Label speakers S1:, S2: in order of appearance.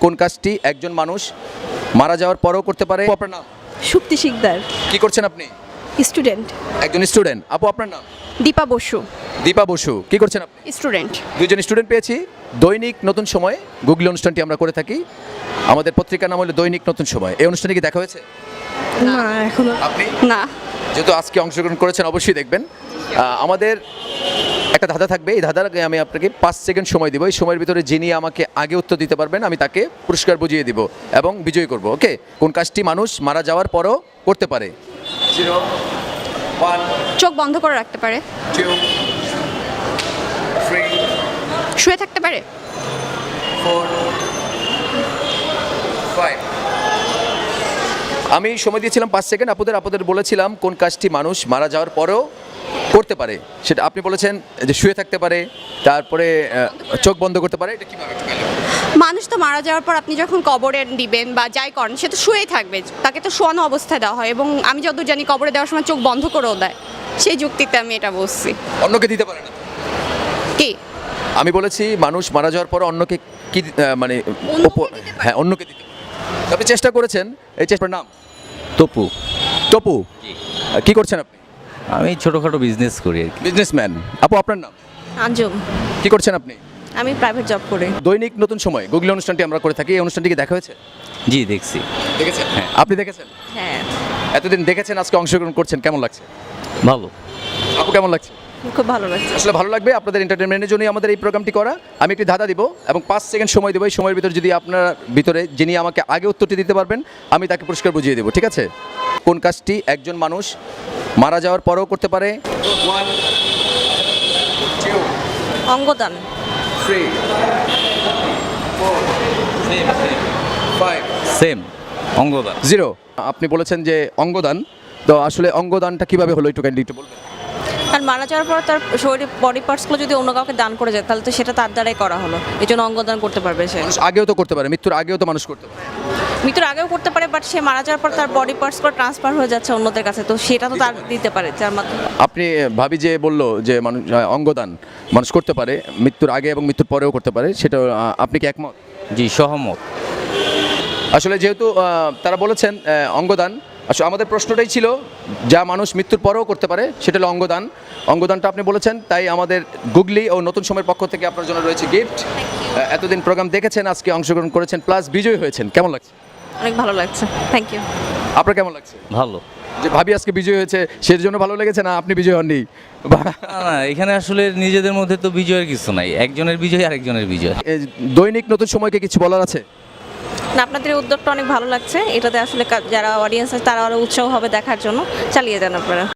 S1: কোন কাজটি একজন মানুষ মারা যাওয়ার পরেও করতে পারে? আপনার নাম?
S2: সুপ্তি শিকদার,
S1: কি করছেন আপনি?
S2: স্টুডেন্ট।
S1: একজন স্টুডেন্ট। আপু আপনার নাম?
S2: দীপা বসু,
S1: দীপা বসু। কি করছেন আপনি?
S2: স্টুডেন্ট।
S1: দুইজন স্টুডেন্ট পেয়েছি। দৈনিক নতুন সময় গুগলি অনুষ্ঠানটি আমরা করে থাকি। আমাদের পত্রিকার নাম হলো দৈনিক নতুন সময়। এই অনুষ্ঠানে কি দেখা হয়েছে?
S2: না এখনো
S1: আপনি
S2: না।
S1: যেহেতু আজকে অংশগ্রহণ করেছেন অবশ্যই দেখবেন। আমাদের একটা ধাঁধা থাকবে। এই ধাঁধার আগে আমি আপনাকে 5 সেকেন্ড সময় দিব। এই সময়ের ভিতরে যিনি আমাকে আগে উত্তর দিতে পারবেন আমি তাকে পুরস্কার বুঝিয়ে দিব এবং বিজয়ী করব। ওকে? কোন কাজটি মানুষ মারা যাওয়ার পরও করতে পারে? 0 1
S2: চোখ বন্ধ করে রাখতে পারে,
S1: 2 3
S2: শুয়ে থাকতে পারে,
S1: 4 5। আমি সময় দিয়েছিলাম 5 সেকেন্ড। আপনাদের বলেছিলাম কোন কাজটি মানুষ মারা যাওয়ার পরেও করতে পারে, সেটা আপনি বলেছেন যে শুয়ে থাকতে পারে, তারপরে চোখ বন্ধ করতে পারে। এটা কিভাবে?
S2: মানুষ তো মারা যাওয়ার পর আপনি যখন কবরে দিবেন বা যাই করেন সে তো শুয়েই থাকবে, তাকে তো শোয়ানো অবস্থায় দেওয়া হয় এবং আমি যতদূর জানি কবরে দেওয়ার সময় চোখ বন্ধ করেও দেয়। সেই যুক্তিতে আমি এটা বলছি।
S1: অন্যকে দিতে পারে না?
S2: কি
S1: আমি বলেছি মানুষ মারা যাওয়ার পর অন্যকে কি মানে হ্যাঁ অন্যকে দিতে পারে। আপনি চেষ্টা করেছেন। এই চেষ্টার নাম?
S3: তপু।
S1: টপু। কি করছেন আপনি?
S3: আমি ছোটোখাটো বিজনেস করি আর কি।
S1: বিজনেসম্যান। আপু আপনার নাম?
S2: আঞ্জুম,
S1: কি করছেন আপনি?
S2: আমি প্রাইভেট জব করি।
S1: দৈনিক নতুন সময় গুগলি অনুষ্ঠানটি আমরা করে থাকি। এই অনুষ্ঠানটি কি দেখা হয়েছে?
S3: জি দেখছি।
S1: দেখেছেন? হ্যাঁ। আপনি দেখেছেন?
S2: হ্যাঁ,
S1: এতদিন দেখেছেন, আজকে অংশগ্রহণ করছেন, কেমন লাগছে?
S3: ভালো।
S1: আপু কেমন লাগছে?
S2: খুব ভালো লাগছে।
S1: আসলে ভালো লাগবে। আপনাদের এন্টারটেনমেন্টের জন্যই আমাদের এই প্রোগ্রামটি করা। আমি একটি ধাঁধা দিব এবং 5 সেকেন্ড সময় দেবো। এই সময়ের ভিতরে যদি আপনার ভিতরে যিনি আমাকে আগে উত্তরটি দিতে পারবেন আমি তাকে পুরস্কার বুঝিয়ে দেবো। ঠিক আছে? কোন কাজটি একজন মানুষ মারা যাওয়ার পরেও করতে পারে? 1 2
S2: অঙ্গদান।
S1: 3 4 5
S3: সেম অঙ্গদান।
S1: 0। আপনি বলেছেন যে অঙ্গদান। তো আসলে অঙ্গদানটা কিভাবে হলো একটু কাইন্ডলি একটু বলবেন?
S4: আর মারা যাওয়ার পর তার শরীরের বডি পার্টসগুলো যদি অন্য কাউকে দান করে যায় তাহলে তো সেটা তার দ্বারাই করা হলো, এই জন্য অঙ্গদান করতে পারবে সে।
S1: মানুষ আগেও তো করতে পারে, মৃত্যুর আগেও তো মানুষ করতে পারে।
S4: মৃত্যুর আগেও করতে পারে, বাট সে মারা যাওয়ার পর তার বডি পার্টসগুলো ট্রান্সফার হয়ে যাচ্ছে অন্যদের কাছে, তো সেটা তো তার দিতে পারে যার মাধ্যমে।
S1: আপনি ভাবি যে বললো যে মানুষ অঙ্গদান মানুষ করতে পারে মৃত্যুর আগে এবং মৃত্যুর পরেও করতে পারে, সেটা আপনি কি একমত?
S3: জি সহমত।
S1: আসলে যেহেতু তারা বলেছেন অঙ্গদান, আসলে আমাদের প্রশ্নটাই ছিল যা মানুষ মৃত্যুর পরেও করতে পারে সেটা হলো অঙ্গদান। অঙ্গদানটা আপনি বলেছেন, তাই আমাদের গুগলি ও নতুন সময়ের পক্ষ থেকে আপনার জন্য রয়েছে গিফট। এতদিন প্রোগ্রাম দেখেছেন, আজকে অংশগ্রহণ করেছেন, প্লাস বিজয়ী হয়েছেন, কেমন লাগছে?
S4: অনেক ভালো লাগছে, থ্যাংক ইউ।
S1: আপনার কেমন লাগছে?
S3: ভালো।
S1: যে ভাবি আজকে বিজয় হয়েছে সেই জন্য ভালো লেগেছে, না আপনি বিজয় হননি?
S3: না এখানে আসলে নিজেদের মধ্যে তো বিজয়ের কিছু নাই, একজনের বিজয় আর একজনের বিজয়।
S1: দৈনিক নতুন সময়কে কিছু বলার আছে?
S4: না, আপনাদের এই উদ্যোগটা অনেক ভালো লাগছে, এটাতে আসলে যারা অডিয়েন্স আছে তারা আরও উৎসাহ হবে দেখার জন্য, চালিয়ে যান আপনারা।